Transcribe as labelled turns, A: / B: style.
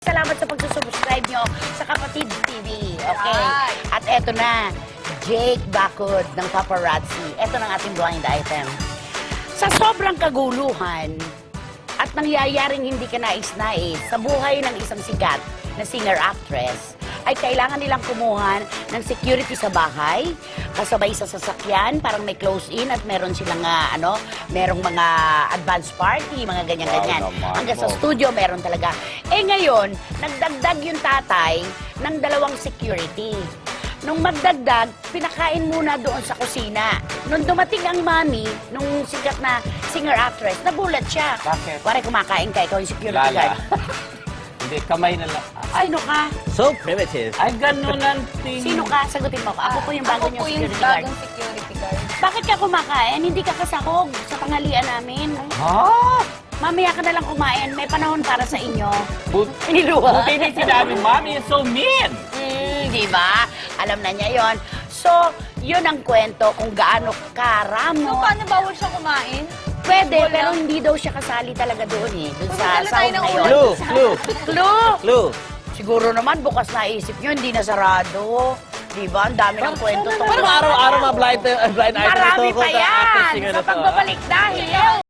A: Salamat sa pagsusubscribe nyo sa Kapatid TV. Okay? At eto na, Jake Bacud ng Paparazzi. Eto na ang ating blind item. Sa sobrang kaguluhan at nangyayaring hindi ka nais-nais sa buhay ng isang sikat na singer-actress, ay kailangan nilang kumuha ng security sa bahay, kasabay sa sasakyan, parang may close-in at meron silang merong mga advance party, mga ganyan-ganyan. Hanggang sa studio, meron talaga. Eh ngayon, nagdagdag yung tatay ng 2 security. Nung magdagdag, pinakain muna doon sa kusina. Nung dumating ang mami, nung sikat na singer-actress, nagulat siya.
B: Bakit?
A: Pare, kumakain ka, ikaw yung security guard.
B: Hindi, kamay na lang.
A: Sino ka?
C: So primitive.
B: Ay, ganun ang tingin.
A: Sino ka? Sagutin mo ko. Ako po yung bago niyong security guard.
D: Security guard.
A: Bakit ka kumakain? Hindi ka kasahog sa tanghalian namin.
B: Ha?
A: Mamaya ka na lang kumain. May panahon para sa inyo.
B: Niluwa. Buti na sinabi, Mommy is so mean.
A: Di ba? Alam na niya yon. So, yun ang kwento kung gaano
D: So,
A: karamo.
D: paano bawal siya kumain?
A: Pwede, pero hindi daw siya kasali talaga doon eh. Doon sa
D: Magdala tayo
A: sahog
D: ng
A: na yun.
C: Clue, clue,
A: Clue!
C: clue.
A: Siguro naman, bukas na isip nyo, hindi na sarado. Di ba? Ang dami ng kwento.
C: Parang araw-araw blind item
A: Marami
C: ito.
A: pa yan! Sa pagbabalik dahil.